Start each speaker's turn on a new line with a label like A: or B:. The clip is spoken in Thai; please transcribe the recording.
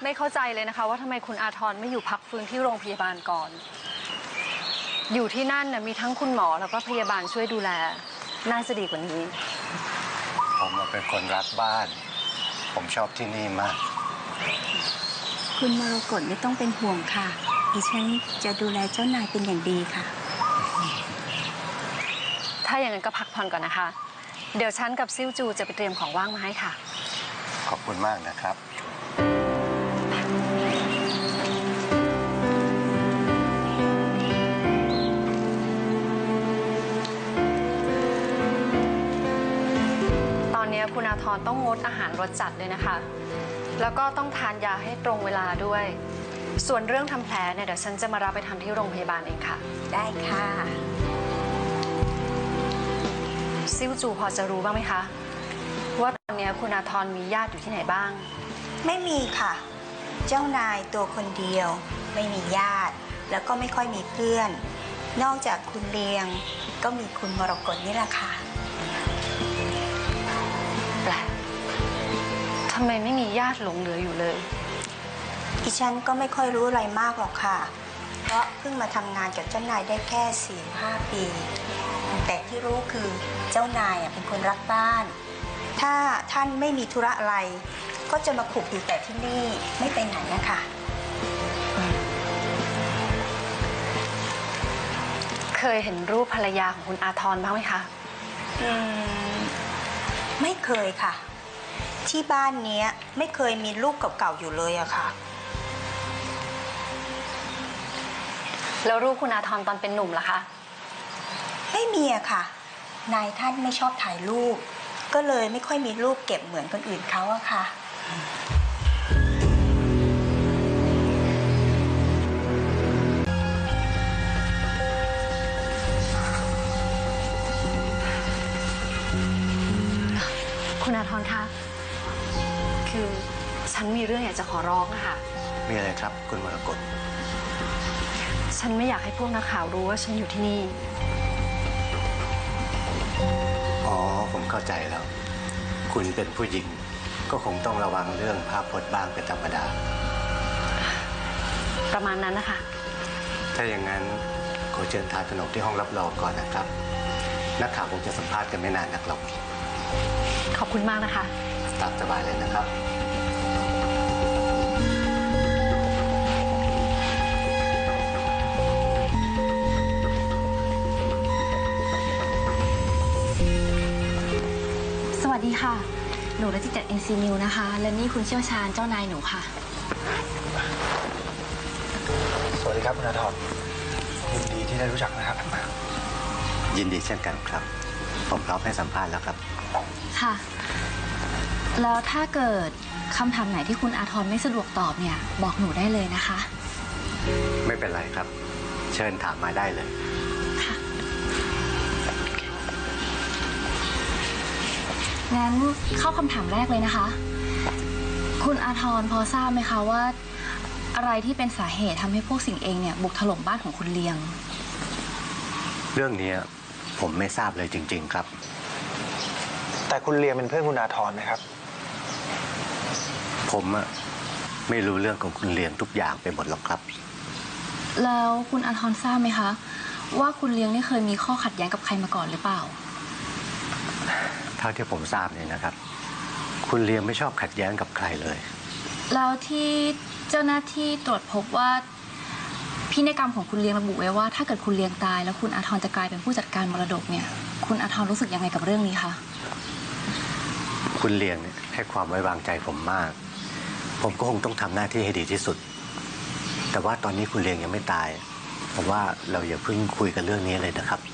A: ไม่เข้าใจเลยนะคะว่าทำไมคุณอาทรไม่อยู่พักฟื้นที่โรงพยาบาลก่อนอยู่ที่นั่นน่ะมีทั้งคุณหมอแล้วก็พยาบาลช่วยดูแลน่าจะดีกว่านี้
B: ผมเป็นคนรักบ้านผมชอบที่นี่มาก
C: คุณมรกตไม่ต้องเป็นห่วงค่ะดิฉันจะดูแลเจ้านายเป็นอย่างดีค่ะ
A: ถ้าอย่างนั้นก็พักผ่อนก่อนนะคะเดี๋ยวฉันกับซิ่วจูจะไปเตรียมของว่างมาให้ค่ะ
B: ขอบคุณมากนะครับ
A: ตอนนี้คุณอาทรต้องงดอาหารรสจัดเลยนะคะแล้วก็ต้องทานยาให้ตรงเวลาด้วยส่วนเรื่องทำแผลเนี่ยเดี๋ยวฉันจะมารับไปทำที่โรงพยาบาลเองค่ะ
C: ได้ค่ะ
A: ซิ่วจูพอจะรู้บ้างไหมคะว่าตอนนี้คุณอาทรมีญาติอยู่ที่ไหนบ้าง
C: ไม่มีค่ะเจ้านายตัวคนเดียวไม่มีญาติแล้วก็ไม่ค่อยมีเพื่อนนอกจากคุณเลียงก็มีคุณมรกตนี่แหละค่ะ
A: แปลกทำไมไม่มีญาติหลงเหลืออยู่เลย
C: ดิฉันก็ไม่ค่อยรู้อะไรมากหรอกค่ะเพราะเพิ่งมาทำงานกับเจ้านายได้แค่ 4-5 ปีแต่ที่รู้คือเจ้านายเป็นคนรักบ้านถ้าท่านไม่มีธุระอะไรก็จะมาขุกอยู่แต่ที่นี่ไม่ไปไหนนะคะ
A: เคยเห็นรูปภรรยาของคุณอาทรบ้างไหมคะ
C: ไม่เคยค่ะที่บ้านนี้ไม่เคยมีรูปเก่าๆอยู่เลยอะค่ะ
A: แล้วรูปคุณอาทรตอนเป็นหนุ่มล่ะคะ
C: ไม่มีอะค่ะนายท่านไม่ชอบถ่ายรูปก็เลยไม่ค่อยมีรูปเก็บเหมือนคนอื่นเขาอะค่ะ
A: คุณอาทรคะคือฉันมีเรื่องอยากจะขอร้องค่ะ
B: มีอะไรครับคุณมรกต
A: ฉันไม่อยากให้พวกนักข่าวรู้ว่าฉันอยู่ที่นี่
B: อ๋อผมเข้าใจแล้วคุณเป็นผู้หญิงก็คงต้องระวังเรื่องภาพพจน์บ้างเป็นธรรมดา
A: ประมาณนั้นนะคะ
B: ถ้าอย่างนั้นขอเชิญทานขนมที่ห้องรับรองก่อนนะครับนักข่าวคงจะสัมภาษณ์กันไม่นานนักหรอก
A: ขอบคุณมากนะคะ
B: ตามสบายเลยนะครับ
D: สวัสดีค่ะหนูรัติจัด NC News นะคะและนี่คุณเชี่ยวชาญเจ้านายหนูค่ะ
E: สวัสดีครับคุณอาทรยินดีที่ได้รู้จักนะครับ
B: ยินดีเช่นกันครับผมพร้อมให้สัมภาษณ์แล้วครับ
D: ค่ะแล้วถ้าเกิดคำถามไหนที่คุณอาทรไม่สะดวกตอบเนี่ยบอกหนูได้เลยนะคะ
B: ไม่เป็นไรครับเชิญถามมาได้เลย
D: ค่ะงั้นเข้าคำถามแรกเลยนะคะคุณอาทรพอทราบไหมคะว่าอะไรที่เป็นสาเหตุทำให้พวกสิ่งเองเนี่ยบุกถล่มบ้านของคุณเลียง
B: เรื่องนี้ผมไม่ทราบเลยจริงๆครับ
E: แต่คุณเลียงเป็นเพื่อนคุณอาทรนะครับ
B: ผมไม่รู้เรื่องของคุณเลียงทุกอย่างไปหมดหรอกครับ
D: แล้วคุณอาทรทราบไหมคะว่าคุณเลียงนี่เคยมีข้อขัดแย้งกับใครมาก่อนหรือเปล่า
B: เท่าที่ผมทราบเนี่ยนะครับคุณเลียงไม่ชอบขัดแย้งกับใครเลย
D: แล้วที่เจ้าหน้าที่ตรวจพบว่าพินัยกรรมของคุณเลียงระบุไว้ว่าถ้าเกิดคุณเลียงตายแล้วคุณอาทรจะกลายเป็นผู้จัดการมรดกเนี่ยคุณอาทรรู้สึกยังไงกับเรื่องนี้คะ
B: คุณเลียงให้ความไว้วางใจผมมากผมก็คงต้องทำหน้าที่ให้ดีที่สุดแต่ว่าตอนนี้คุณเลียงยังไม่ตายผมว่าเราอย่าเพิ่งคุยกันเรื่องนี้เลยนะครับ